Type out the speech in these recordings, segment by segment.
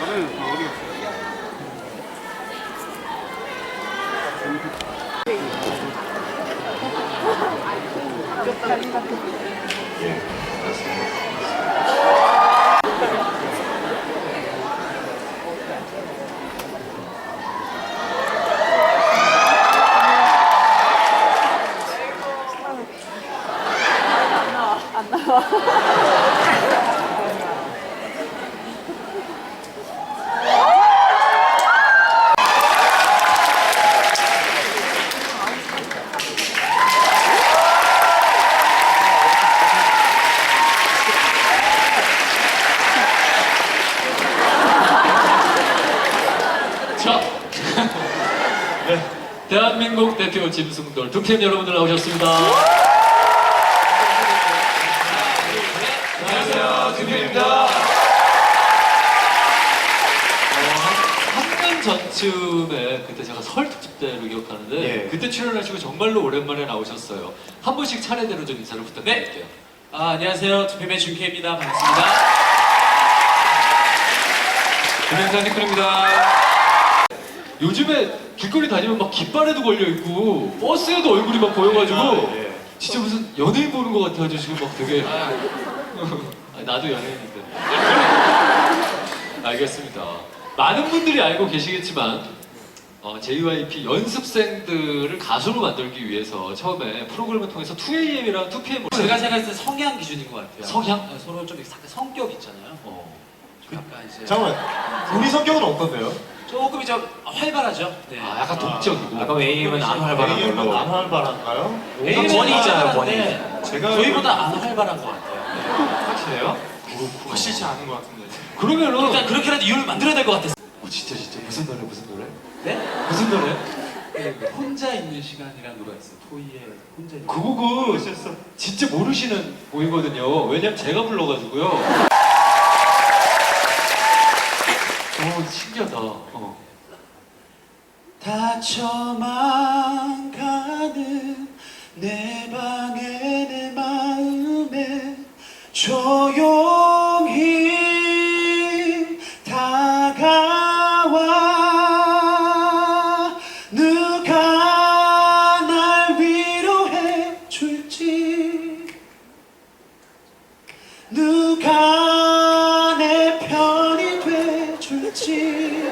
다들 다 어디 갔어요? 안 나와. 자, 네, 대한민국 대표 짐승돌 두캠 여러분들 나오셨습니다. 안녕하세요, 두캠입니다. 한 년 전쯤에 그때 제가 설 특집 때로 기억하는데 예. 그때 출연하시고 정말로 오랜만에 나오셨어요. 한 분씩 차례대로 좀 인사를 부탁드릴게요. 안녕하세요. 두표맨 준케입니다. 반갑습니다. 김현사 니클입니다. 요즘에 길거리 다니면 막 깃발에도 걸려있고 버스에도 얼굴이 막 보여가지고 예. 진짜 무슨 연예인 보는 것 같아가지고 지금 막 되게 아니, 나도 연예인인데 알겠습니다. 많은 분들이 알고 계시겠지만 JYP 연습생들을 가수로 만들기 위해서 처음에 프로그램을 통해서 2AM이랑 2PM을 제가 생각했을 때 성향 기준인 것 같아요. 성향? 서로 좀 약간 성격 있잖아요. 약간 이제 잠깐만, 우리 성격은 어떤데요? 조금 이제 활발하죠. 네. 약간 동적이고 아까 AM은 안 활발한 AM은 걸로. 안 활발한가요? A는 원이잖아요, 원이. 활발한데 제가 저희보다 안 활발한 것 같아요. 확실해요? 확실치 않은 것 같은데. 그러면은 일단 그렇게라도 이유를 만들어야 될 것 같았어요. 진짜 무슨 노래 네? 무슨 노래? 혼자 있는 시간이라는 노래가 있어요. 토이의 혼자 있는 그 곡은 진짜 모르시는 곡이거든요. 왜냐면 제가 불러가지고요. 신기하다. 다쳐만 가는 내 방에 내 마음에 조용히 다가와 누가 날 위로해 줄지 누가 내 편이 돼 줄지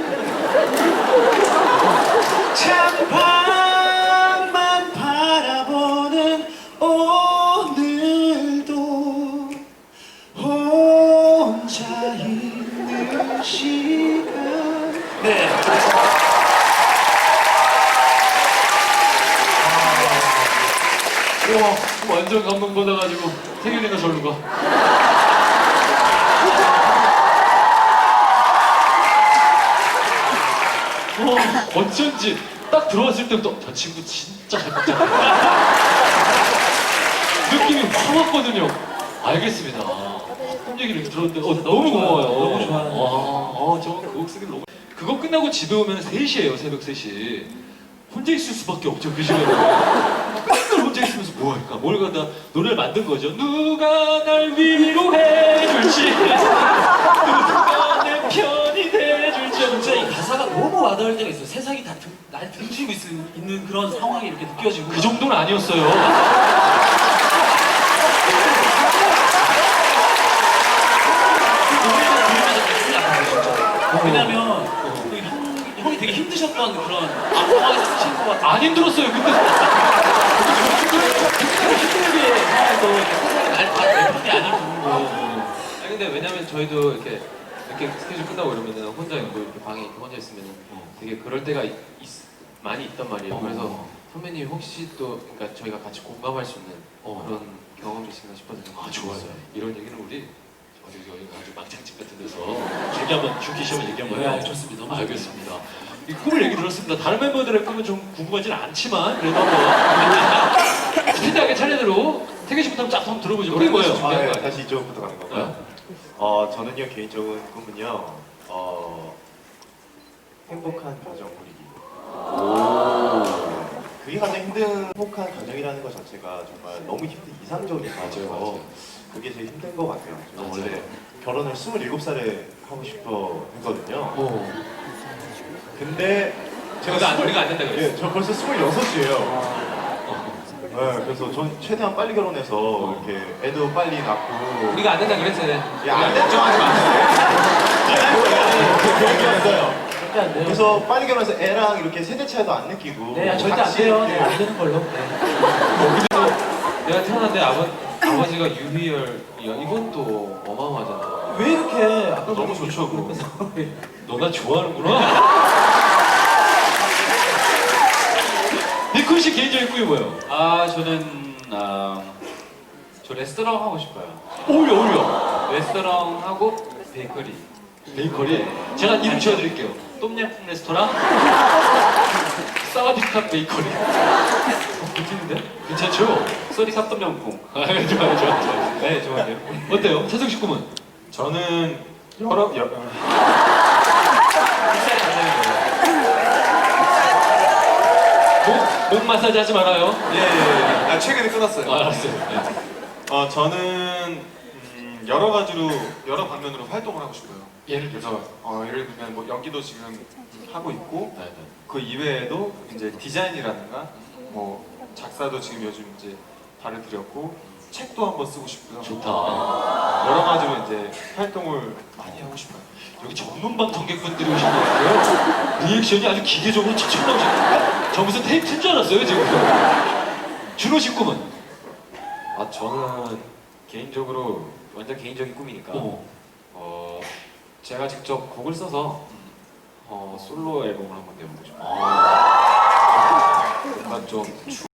창밖만 바라보는 오늘도 혼자 있는 시간. 네. 우와, 완전 감동받아가지고 태균이가 절로 가. 어쩐지 딱 들어왔을 때부터 저 친구 진짜 잘 먹잖아. 느낌이 확 왔거든요. 알겠습니다. 홈 얘기를 이렇게 들었는데 너무 고마워요. 너무 좋아하네요. 저곡 쓰기 너무. 그거 끝나고 집에 오면 3시예요. 새벽 3시. 혼자 있을 수밖에 없죠. 그 시간에. 맨날 혼자 있으면서 뭐 할까? 뭘 가다 노래를 만든 거죠. 누가 날 위로해 줄지 누가 내 편이 돼 줄지. 진짜 이 가사가 너무 와닿을 때가 있어요. 세상이 다 날 등지고 있는 그런 상황이 이렇게 느껴지고. 그 정도는 아니었어요. 왜냐면 형이 되게 힘드셨던 그런 상황에서 쓰신 것 같아요. 안 힘들었어요. 근데 힘들게 상황에서 내 편이 아니고. 아니 근데 왜냐면 저희도 이렇게 스케줄 끝나고 이러면은 혼자 뭐 이렇게 방에 이렇게 혼자 있으면 되게 그럴 때가 많이 있단 말이에요. 그래서 선배님 혹시 또 그러니까 저희가 같이 공감할 수 있는 그런 경험이신가 싶어서 좋아요. 이런 얘기는 우리 여기 아주 막장집 같은 데서 얘기 한번 준키 씨 한번 얘기 한번 해요. 네, 좋습니다. 너무 알겠습니다. 이 꿈을 얘기 들었습니다. 다른 멤버들의 꿈은 좀 궁금하진 않지만 그래도 한번 스피드하게 차례대로 태균 씨부터 한번 들어보죠. 그게 뭐예요? 준비한 거 아니에요? 다시 이쪽부터 가는 건가요? 저는요 개인적인 꿈은요 행복한 가정 꾸리기. 그게 가장 힘든 행복한 가정이라는 것 자체가 정말 너무 힘든 이상적인 거죠. 그게 제일 힘든 것 같아요. 저는 원래 결혼을 27살에 하고 싶어 했거든요. 어. 근데 제가 우리가 안 된다 그랬어. 저 벌써 26이에요. 네, 그래서 전 최대한 빨리 결혼해서 이렇게 애도 빨리 낳고. 우리가 안 된다 그랬어요. 야, 안 됐죠, 하지 마세요. 계획이었어요. 절대 안 돼요. 그래서 빨리 결혼해서 애랑 이렇게 세대 차이도 안 느끼고. 네, 절대 안 같이 돼요. 이렇게 네, 안 되는 걸로. 네. 내가 태어났는데 아버지가 유희열이야. 이건 또 어마어마하잖아. 왜 이렇게 아까 너무 좋죠, 그거. 그래서 너 나 좋아하는구나. 니쿤 씨 개인적인 꿈이 뭐예요? 저는 저 레스토랑 하고 싶어요. 어울려. 레스토랑 하고 베이커리. 베이커리. 제가 이름 지어드릴게요. 똠양꿍 레스토랑, 사와디캅 베이커리. 괜찮은데? 괜찮죠? 쏘리캅 똠양꿍. 좋아요. 네, 좋아요. 어때요? 차성 씨 꿈은? 저는 목 마사지 하지 말아요. 예. 최근에 끊었어요. 알았어요. 네. 저는 여러 가지로 여러 방면으로 활동을 하고 싶어요. 예를 들어서. 그래서 예를 들면 뭐 연기도 지금 하고 있고 네, 네. 그 이외에도 이제 디자인이라든가 뭐 작사도 지금 요즘 이제 발을 들였고 책도 한번 쓰고 싶고요. 좋다. 여러 가지로 이제 활동을 많이 하고 싶어요. 여기 전문 방청객분들이 오신 것 같고요. 리액션이 아주 기계적으로 척척 나오시네요. 저 무슨 테이프인 줄 알았어요, 지금. 준호 씨 꿈은? 저는 개인적으로 완전 개인적인 꿈이니까 제가 직접 곡을 써서 솔로 앨범을 한번 내보고 싶어요. 뭔가 좀